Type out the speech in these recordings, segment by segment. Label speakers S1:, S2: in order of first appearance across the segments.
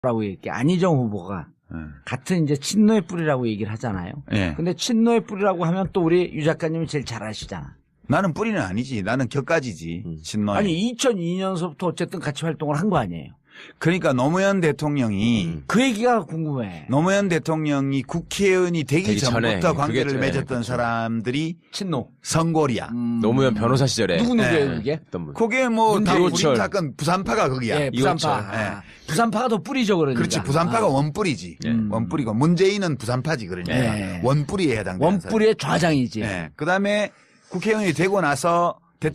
S1: 라고 얘기해. 안희정 후보가 같은 이제 친노의 뿌리라고 얘기를 하잖아요.
S2: 예.
S1: 근데 친노의 뿌리라고 하면 또 우리 유 작가님이 제일 잘 아시잖아.
S2: 나는 뿌리는 아니지. 나는 격가지지. 친노에.
S1: 아니 2002년서부터 어쨌든 같이 활동을 한 거 아니에요.
S2: 그러니까 노무현 대통령이
S1: 그 얘기가 궁금해.
S2: 노무현 대통령이 국회의원이 되기
S3: 전에
S2: 전부터 관계를
S3: 그게,
S2: 맺었던
S3: 그렇죠.
S2: 사람들이
S1: 친노.
S2: 선골이야.
S3: 노무현 변호사 시절에
S1: 누구예요
S2: 네.
S1: 그게?
S3: 어떤 분?
S2: 그게 뭐 다
S3: 이호철.
S2: 우리 사건 부산파가 거기야.
S1: 예, 부산파.
S3: 이호철.
S1: 아, 부산파가 더 뿌리죠 그러니까.
S2: 그렇지. 부산파가 원뿌리지. 원뿌리고 문재인은 부산파지 그러니까
S1: 예.
S2: 원뿌리에 해당되는
S1: 원뿌리의 좌장이지.
S2: 사람. 예. 그다음에 국회의원이 되고 나서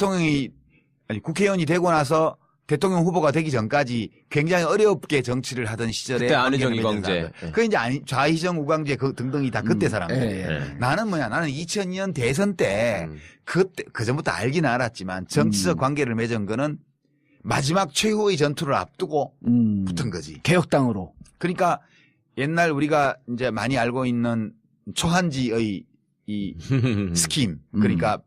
S2: 국회의원이 되고 나서 대통령 후보가 되기 전까지 굉장히 어렵게 정치를 하던 시절에
S3: 그때 안희정,
S2: 관계를 맺은
S3: 이광재.
S2: 사람들. 그 이제 좌희정, 우광재 그 등등이 다 그때 사람들이에요.
S1: 예.
S2: 나는 뭐냐? 나는 2002년 대선 때 그때 그 전부터 알기는 알았지만 정치적 관계를 맺은 거는 마지막 최후의 전투를 앞두고 붙은 거지.
S1: 개혁당으로.
S2: 그러니까 옛날 우리가 이제 많이 알고 있는 초한지의 이 스킴 그러니까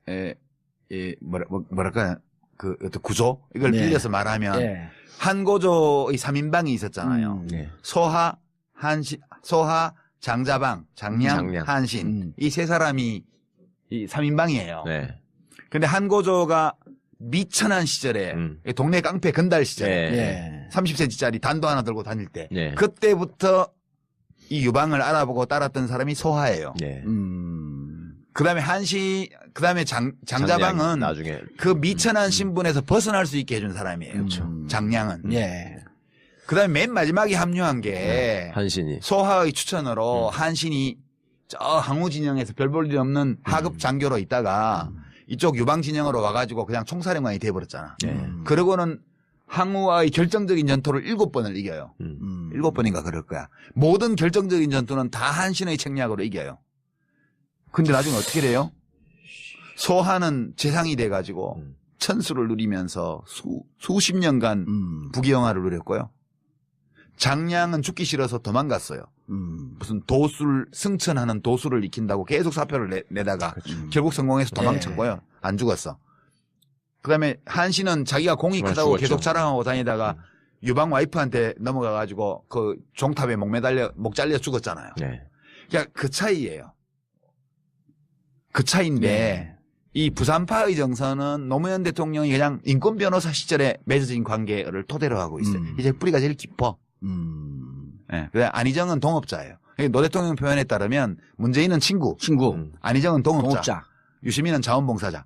S2: 뭐랄까 그 어떤 구조 이걸
S1: 네.
S2: 빌려서 말하면
S1: 예.
S2: 한고조의 3인방이 있었잖아요.
S3: 네.
S2: 소하 장자방 장량,
S3: 장량.
S2: 한신 이 세 사람이 이 3인방이에요.
S3: 네.
S2: 근데 한고조가 미천한 시절에 동네 깡패 건달 시절에
S3: 네.
S1: 예.
S2: 30cm짜리 단도 하나 들고 다닐 때
S3: 네.
S2: 그때부터 이 유방을 알아보고 따랐던 사람이 소하예요.
S3: 네.
S2: 그다음에 그다음에 장자방은
S3: 나중에
S2: 그 미천한 신분에서 벗어날 수 있게 해준 사람이에요. 장량은.
S1: 예.
S2: 그다음에 맨 마지막에 합류한 게
S3: 한신이
S2: 소하의 추천으로 한신이 저 항우 진영에서 별 볼 일 없는 하급 장교로 있다가 이쪽 유방 진영으로 와가지고 그냥 총사령관이 돼버렸잖아. 그러고는 항우와의 결정적인 전투를 7번을 이겨요. 7번인가 그럴 거야. 모든 결정적인 전투는 다 한신의 책략으로 이겨요. 근데 나중에 어떻게 돼요? 소하는 재상이 돼가지고 천수를 누리면서 수십 년간 부귀영화를 누렸고요. 장량은 죽기 싫어서 도망갔어요. 무슨 도술 승천하는 도술을 익힌다고 계속 사표를 내다가 결국 성공해서 도망쳤고요. 안 죽었어. 그다음에 한신은 자기가 공이 크다고
S3: 죽었죠.
S2: 계속 자랑하고 다니다가 유방 와이프한테 넘어가가지고 그 종탑에 목 잘려 죽었잖아요.
S3: 네.
S2: 그러니까 그 차이예요. 그 차이인데 이 부산파의 정서는 노무현 대통령이 그냥 인권 변호사 시절에 맺어진 관계를 토대로 하고 있어요. 이제 뿌리가 제일 깊어. 예. 그래 안희정은 동업자예요. 노 대통령 표현에 따르면 문재인은 친구, 안희정은 동업자, 유시민은 자원봉사자.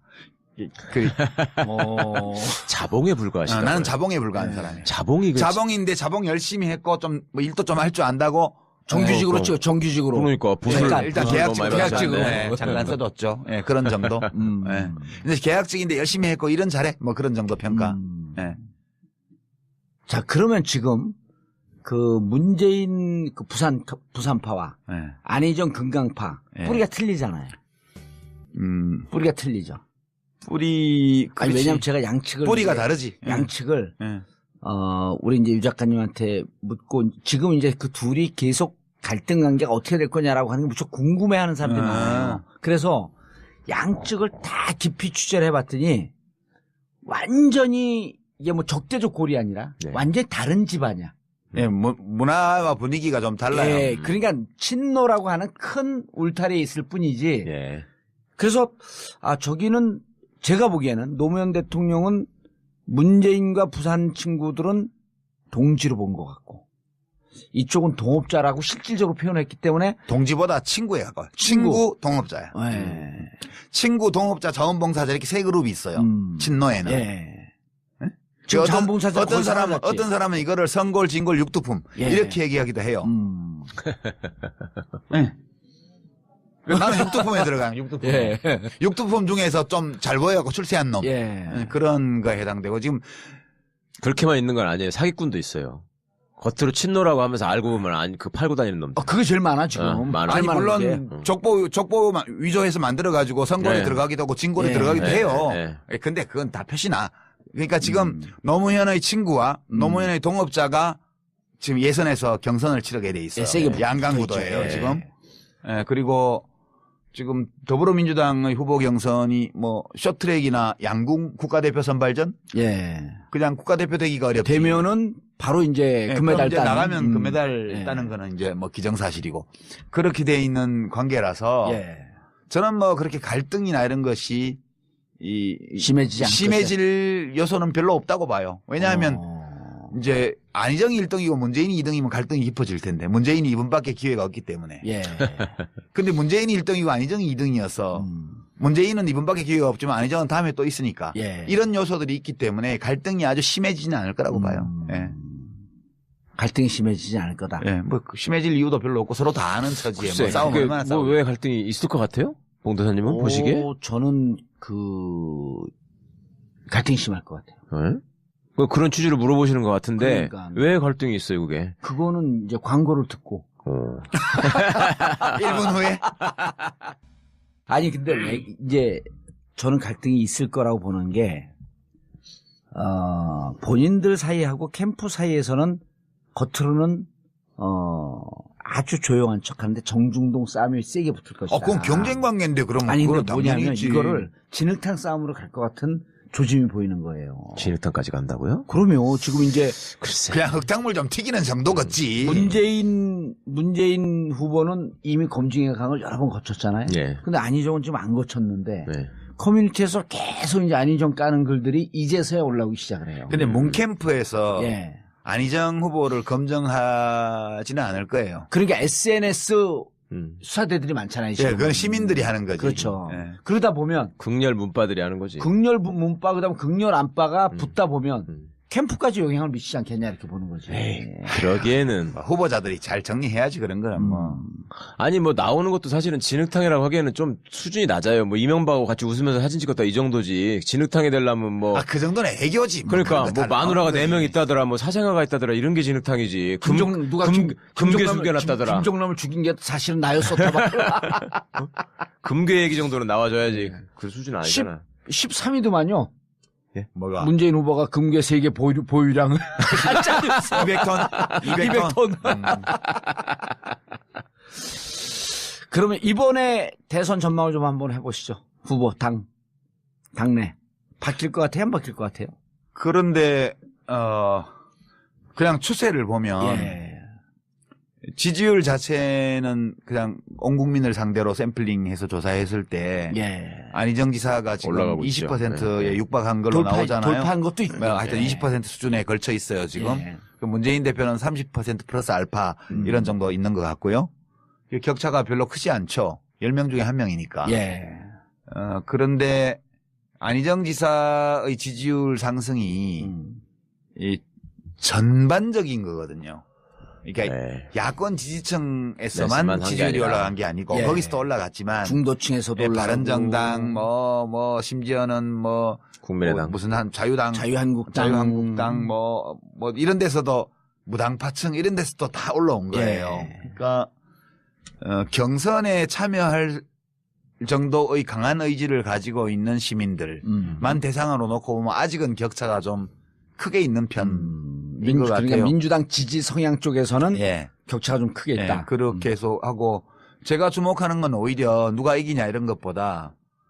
S3: 자봉에 불과하시다.
S2: 나는 자봉에 불과한 사람이에요.
S3: 자봉인데
S2: 자봉 열심히 했고 좀 뭐 일도 좀 할 줄 안다고
S1: 정규직으로 치고 정규직으로.
S3: 그러니까 부술
S2: 일단 계약직으로 잠깐 써뒀죠. 예, 그런 정도. 예. 근데 계약직인데 열심히 했고 일은 잘해. 뭐 그런 정도 평가. 예.
S1: 자 그러면 지금 그 문재인 그 부산파와
S2: 예.
S1: 안희정 금강파
S2: 예.
S1: 뿌리가 틀리잖아요. 뿌리가 틀리죠.
S2: 뿌리
S1: 아니 왜냐면 제가 양측을
S2: 뿌리가
S1: 이제
S2: 다르지.
S1: 양측을
S2: 예.
S1: 우리 이제 유 작가님한테 묻고 지금 이제 그 둘이 계속 갈등 관계가 어떻게 될 거냐라고 하는 게 무척 궁금해하는 사람들이 많아요. 그래서 양측을 다 깊이 취재를 해봤더니 완전히 이게 뭐 적대적 골이 아니라 완전히 다른 집안이야.
S2: 예, 문화와 분위기가 좀 달라요.
S1: 예, 그러니까 친노라고 하는 큰 울타리에 있을 뿐이지.
S3: 예.
S1: 그래서 저기는 제가 보기에는 노무현 대통령은 문재인과 부산 친구들은 동지로 본 것 같고 이쪽은 동업자라고 실질적으로 표현했기 때문에
S2: 동지보다 친구에 가까워. 친구 동업자야.
S1: 예.
S2: 친구 동업자 자원봉사자 이렇게 세 그룹이 있어요. 친노에는.
S1: 예. 지금 자원봉사자
S2: 어떤 사람은 이거를 선골, 진골, 육두품 이렇게 얘기하기도 해요. 네. 나는 육두품에 들어가요. 육두품.
S1: 예.
S2: 육두품 중에서 좀 잘 보여갖고 출세한 놈.
S1: 예.
S2: 그런 거에 해당되고 지금
S3: 그렇게만 있는 건 아니에요. 사기꾼도 있어요. 겉으로 친노라고 하면서 알고 보면 그 팔고 다니는 놈들.
S1: 그게 제일 많아 지금.
S3: 많아.
S2: 아니
S1: 제일 많은 게.
S2: 물론 족보 위조해서 만들어가지고 선골에 들어가기도 하고 진골에 들어가기도 해요. 근데 그건 다 표시나. 그러니까 지금 노무현의 친구와 노무현의 동업자가 지금 예선에서 경선을 치르게 돼 있어요. 양강구도예요 지금. 예, 그리고 지금 더불어민주당의 후보 경선이 뭐 쇼트트랙이나 양궁 국가대표 선발전?
S1: 예.
S2: 그냥 국가대표 되기가 어렵지.
S1: 되면은 바로 이제
S2: 예,
S1: 금메달
S2: 그럼 이제
S1: 따는.
S2: 나가면 금메달
S1: 예.
S2: 따는 거는 이제 뭐 기정사실이고 그렇게 돼 있는 관계라서
S1: 예.
S2: 저는 뭐 그렇게 갈등이나 이런 것이
S1: 심해지지 않을
S2: 심해질 요소는 별로 없다고 봐요. 왜냐하면 이제 안희정이 1등이고 문재인이 2등이면 갈등이 깊어질 텐데 문재인이 이번밖에 기회가 없기 때문에.
S1: 예.
S2: 근데 문재인이 1등이고 안희정이 2등이어서 문재인은 이번밖에 기회가 없지만 안희정은 다음에 또 있으니까
S1: 예.
S2: 이런 요소들이 있기 때문에 갈등이 아주 심해지지는 않을 거라고 봐요. 예.
S1: 갈등이 심해지지 않을 거다.
S2: 예, 뭐 심해질 이유도 별로 없고 서로 다 아는 처지에 뭐 싸우면
S3: 그게
S2: 얼마나
S3: 뭐
S2: 싸우.
S3: 왜 갈등이 있을 것 같아요? 봉도사님은 보시기에?
S1: 저는 갈등이 심할 것 같아요.
S3: 네? 뭐 그런 취지로 물어보시는 것 같은데
S1: 그러니까.
S3: 왜 갈등이 있어요, 그게?
S1: 그거는 이제 광고를 듣고.
S2: 1분 후에
S1: 아니 근데 왜 이제 저는 갈등이 있을 거라고 보는 게 본인들 사이하고 캠프 사이에서는 겉으로는 아주 조용한 척하는데 정중동 싸움이 세게 붙을 것이다.
S2: 그건 경쟁 관계인데 그러면
S1: 아니
S2: 그건
S1: 근데 뭐냐면
S2: 당연히지.
S1: 이거를 진흙탕 싸움으로 갈 것 같은 조짐이 보이는 거예요.
S3: 진흙탕까지 간다고요?
S1: 그러면 지금 이제
S3: 글쎄.
S2: 그냥 흙탕물 좀 튀기는 정도겠지.
S1: 문재인 후보는 이미 검증의 강을 여러 번 거쳤잖아요.
S3: 예.
S1: 근데 안희정은 지금 안 거쳤는데
S3: 네.
S1: 커뮤니티에서 계속 이제 안희정 까는 글들이 이제서야 올라오기 시작을 해요.
S2: 근데 문캠프에서
S1: 예.
S2: 안희정 후보를 검증하지는 않을 거예요.
S1: 그러니까 SNS
S3: 음.
S1: 수사대들이 많잖아요.
S2: 예,
S1: 지금.
S2: 그건 시민들이 하는 거지.
S1: 그렇죠.
S2: 예.
S1: 그러다 보면
S3: 극렬 문바들이 하는 거지.
S1: 극렬 문바 그다음 극렬 안바가 붙다 보면
S3: 음.
S1: 캠프까지 영향을 미치지 않겠냐 이렇게 보는 거지.
S3: 그러기에는
S2: 뭐 후보자들이 잘 정리해야지 그런 거는 뭐.
S3: 아니 뭐 나오는 것도 사실은 진흙탕이라고 하기에는 좀 수준이 낮아요. 뭐 이명박하고 같이 웃으면서 사진 찍었다 이 정도지. 진흙탕이 되려면 뭐
S2: 그 정도는 애교지.
S3: 그러니까 뭐 마누라가 4명 있다더라, 뭐 사생아가 있다더라 이런 게 진흙탕이지. 금괴 숨겨놨다더라.
S1: 김종남을 죽인 게 사실은 나였었다 봐.
S3: 금괴 얘기 정도는 나와줘야지. 그 수준 아니잖아.
S1: 13위도만요.
S2: 뭐가?
S1: 문재인 후보가 금괴 3개 보유량을
S2: 200톤? 200톤?
S1: 그러면 이번에 대선 전망을 좀 한번 해보시죠. 후보 당내 바뀔 것 같아요? 안 바뀔 것 같아요?
S2: 그런데 그냥 추세를 보면
S1: 예.
S2: 지지율 자체는 그냥 온 국민을 상대로 샘플링해서 조사했을 때
S1: 예.
S2: 안희정 지사가 지금
S3: 올라가고 있죠.
S2: 20%에
S3: 네.
S2: 육박한 걸로 나오잖아요.
S1: 돌파한 것도 있고.
S2: 뭐 하여튼 20% 수준에 걸쳐 있어요 지금.
S1: 예.
S2: 그 문재인 대표는 30% 플러스 알파 이런 정도 있는 것 같고요. 격차가 별로 크지 않죠. 10명 중에 1명이니까.
S1: 예.
S2: 그런데 안희정 지사의 지지율 상승이 이 전반적인 거거든요. 그러니까
S3: 네.
S2: 야권
S3: 말씀만
S2: 지지층에서만
S3: 한게
S2: 지지율이
S3: 아니라.
S2: 올라간 게 아니고
S1: 예.
S2: 거기서도 올라갔지만
S1: 중도층에서도
S2: 예,
S1: 올라가고.
S2: 바른정당 뭐 심지어는 뭐
S3: 국민의당.
S2: 무슨 한 자유당
S1: 자유한국당
S2: 뭐 이런 데서도 무당파층 이런 데서도 다 올라온 거예요.
S1: 예.
S2: 그러니까 경선에 참여할 정도의 강한 의지를 가지고 있는 시민들만 대상으로 놓고 보면 아직은 격차가 좀 크게 있는 편인 것 같아요.
S1: 그러니까 민주당 지지 성향 쪽에서는
S2: 예.
S1: 격차가 좀 크게 있다.
S2: 예, 그렇게 해서 하고 제가 주목하는 건 오히려 누가 이기냐 이런 것보다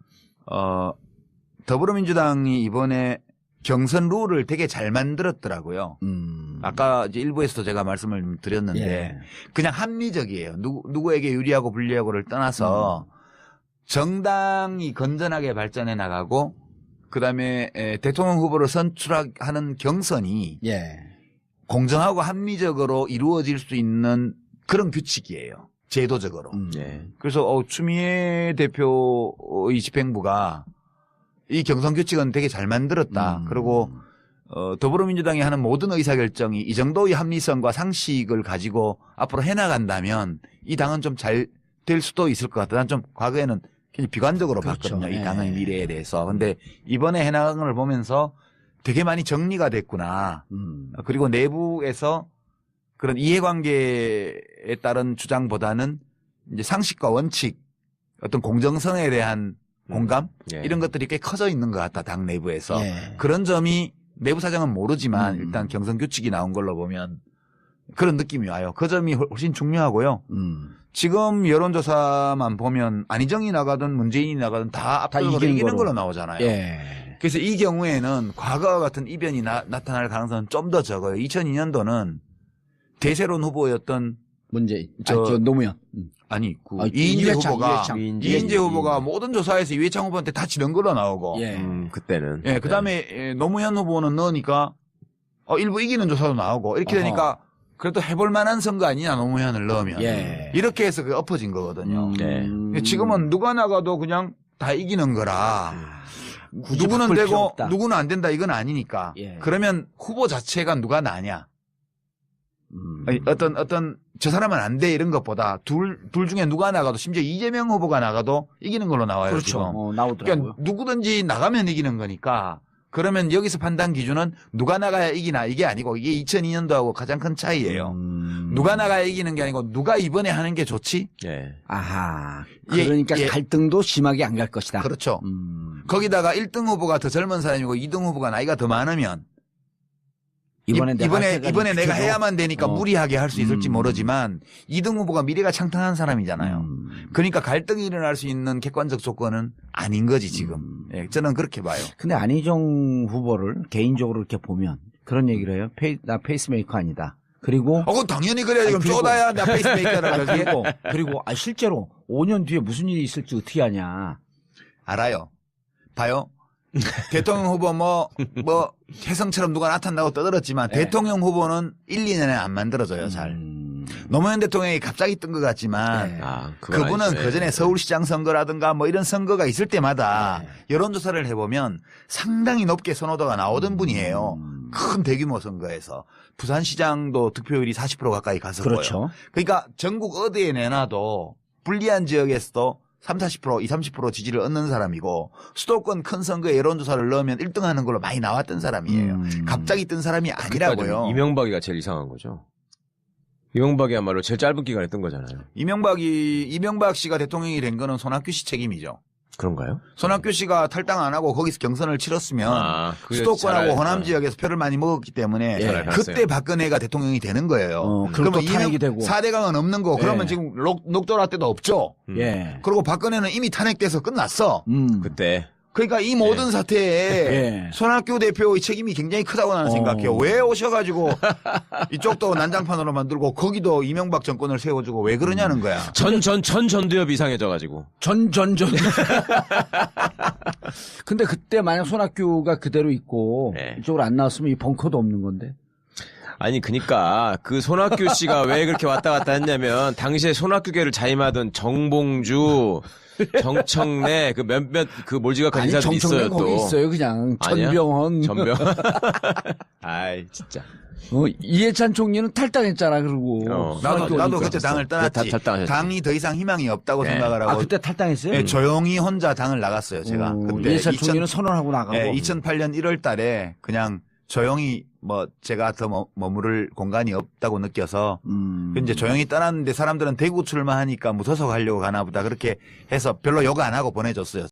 S2: 더불어민주당이 이번에 경선 룰을 되게 잘 만들었더라고요. 아까 이제 일부에서도 제가 말씀을 드렸는데
S1: 예.
S2: 그냥 합리적이에요. 누구에게 유리하고 불리하고를 떠나서 정당이 건전하게 발전해 나가고 그다음에 대통령 후보를 선출하는 경선이
S1: 예.
S2: 공정하고 합리적으로 이루어질 수 있는 그런 규칙이에요. 제도적으로.
S3: 예.
S2: 그래서 추미애 대표의 집행부가 이 경선 규칙은 되게 잘 만들었다. 그리고 더불어민주당이 하는 모든 의사결정이 이 정도의 합리성과 상식을 가지고 앞으로 해나간다면 이 당은 좀 잘 될 수도 있을 것 같다. 난 좀 과거에는 굉장히 비관적으로
S1: 그렇죠.
S2: 봤거든요. 이
S1: 예.
S2: 당의 미래에 대해서. 근데 이번에 해나간 걸 보면서 되게 많이 정리가 됐구나. 그리고 내부에서 그런 이해관계에 따른 주장보다는 이제 상식과 원칙, 어떤 공정성에 대한 공감
S3: 예.
S2: 이런 것들이 꽤 커져 있는 것 같다. 당 내부에서.
S1: 예.
S2: 그런 점이 내부 사정은 모르지만 일단 경선 규칙이 나온 걸로 보면 그런 느낌이 와요. 그 점이 훨씬 중요하고요. 지금 여론조사만 보면 안희정이 나가든 문재인이 나가든 다 압도적으로
S1: 이기는
S2: 이기는
S1: 거로.
S2: 걸로 나오잖아요.
S1: 예.
S2: 그래서 이 경우에는 과거와 같은 이변이 나타날 가능성은 좀 더 적어요. 2002년도는 대세론 후보였던
S1: 저 노무현.
S2: 아니 그
S1: 아,
S2: 이인재 후보가
S1: 이인재
S2: 후보가 모든 조사에서 이회창 후보한테 다 지른 걸로 나오고
S1: 예.
S3: 그때는.
S2: 예, 그다음에 노무현 후보는 넣으니까 일부 이기는 조사도 나오고 이렇게 되니까 그래도 해볼 만한 선거 아니냐 노무현을 넣으면
S1: 예.
S2: 이렇게 해서 그게 엎어진 거거든요.
S3: 네.
S2: 지금은 누가 나가도 그냥 다 이기는 거라
S1: 굳이
S2: 누구는
S1: 바꿀 필요
S2: 되고
S1: 없다.
S2: 누구는 안 된다 이건 아니니까
S1: 예.
S2: 그러면 후보 자체가 누가 나냐 아니, 어떤 저 사람은 안 돼 이런 것보다 둘 중에 누가 나가도 심지어 이재명 후보가 나가도 이기는 걸로 나와요.
S1: 그렇죠.
S2: 지금.
S1: 나오더라고요.
S2: 그러니까 누구든지 나가면 이기는 거니까 그러면 여기서 판단 기준은 누가 나가야 이기나 이게 아니고 이게 2002년도하고 가장 큰 차이예요. 누가 나가야 이기는 게 아니고 누가 이번에 하는 게 좋지?
S3: 예.
S1: 아하.
S2: 예,
S1: 그러니까
S2: 예.
S1: 갈등도 심하게 안 갈 것이다.
S2: 그렇죠. 거기다가 1등 후보가 더 젊은 사람이고 2등 후보가 나이가 더 많으면 이번에 내가 해야만 되니까 무리하게 할 수 있을지 모르지만 2등 후보가 미래가 창탄한 사람이잖아요. 그러니까 갈등이 일어날 수 있는 객관적 조건은 아닌 거지 지금. 예, 저는 그렇게 봐요.
S1: 근데 안희정 후보를 개인적으로 이렇게 보면 그런 얘기를 해요. 나 페이스메이커 아니다. 그리고
S2: 그건 당연히 그래야 지금
S1: 그리고-
S2: 쪼다야 나 페이스메이커라고 그러지.
S1: 그리고 실제로 5년 뒤에 무슨 일이 있을지 어떻게 아냐.
S2: 알아요. 봐요. 대통령 후보 혜성처럼 누가 나타나고 떠들었지만
S1: 네.
S2: 대통령 후보는 1, 2년에 안 만들어져요, 잘. 노무현 대통령이 갑자기 뜬 것 같지만
S1: 네.
S3: 그건
S2: 그분은
S3: 아니죠.
S2: 그전에
S3: 예.
S2: 서울시장 선거라든가 뭐 이런 선거가 있을 때마다 여론조사를 해보면 상당히 높게 선호도가 나오던 분이에요. 큰 대규모 선거에서. 부산시장도 득표율이 40% 가까이 갔었고요.
S1: 그렇죠.
S2: 그러니까 전국 어디에 내놔도 불리한 지역에서도 30, 40%, 30% 지지를 얻는 사람이고 수도권 큰 선거에 여론조사를 넣으면 1등 하는 걸로 많이 나왔던 사람이에요. 갑자기 뜬 사람이 아니라고요.
S3: 이명박이가 제일 이상한 거죠. 이명박이야말로 제일 짧은 기간에 뜬 거잖아요.
S2: 이명박 씨가 대통령이 된 거는 손학규 씨 책임이죠.
S3: 그런가요?
S2: 손학규 씨가 탈당 안 하고 거기서 경선을 치렀으면
S3: 그게
S2: 수도권하고
S3: 잘
S2: 호남 지역에서 표를 많이 먹었기 때문에
S3: 잘 알았어요.
S2: 그때 박근혜가 대통령이 되는 거예요.
S1: 그럼 또 탄핵이 되고.
S2: 4대강은 없는 거. 그러면
S1: 예.
S2: 지금 녹조라 때도 없죠.
S1: 예.
S2: 그리고 박근혜는 이미 탄핵돼서 끝났어.
S3: 그때.
S2: 그러니까 이 모든 사태에
S1: 예.
S2: 손학규 대표의 책임이 굉장히 크다고 나는 생각해요. 왜 오셔가지고 이쪽도 난장판으로 만들고 거기도 이명박 정권을 세워주고 왜 그러냐는 거야.
S3: 전두엽이 이상해져가지고.
S1: 전. 근데 그때 만약 손학규가 그대로 있고
S3: 네.
S1: 이쪽으로 안 나왔으면 이 벙커도 없는 건데.
S3: 아니, 그니까, 그 손학규 씨가 왜 그렇게 왔다 갔다 했냐면, 당시에 손학규계를 자임하던 정봉주, 정청래, 그 몇몇 그 몰지각한
S1: 아니
S3: 인사들이 있어요,
S1: 정청래 거기
S3: 또.
S1: 있어요 그냥.
S3: 아니야?
S1: 전병헌.
S3: 아이, 진짜.
S1: 이해찬 총리는 탈당했잖아 그러고.
S2: 나도
S1: 손학규
S2: 그때
S1: 어디
S2: 당을
S1: 있었어?
S2: 떠났지.
S3: 탈당하셨지.
S2: 당이 더 이상 희망이 없다고
S3: 네.
S2: 생각을 하고
S1: 그때 탈당했어요?
S2: 예, 조용히 혼자 당을 나갔어요. 제가 그때
S1: 이해찬 총리는 선언하고 나가고.
S2: 2008년 1월 달에 그냥 조용히 제가 더 머무를 공간이 없다고 느껴서 이제 조용히 떠났는데 사람들은 대구 출마하니까 무소속 하려고 가나 보다 그렇게 해서 별로 욕 안 하고 보내줬어요.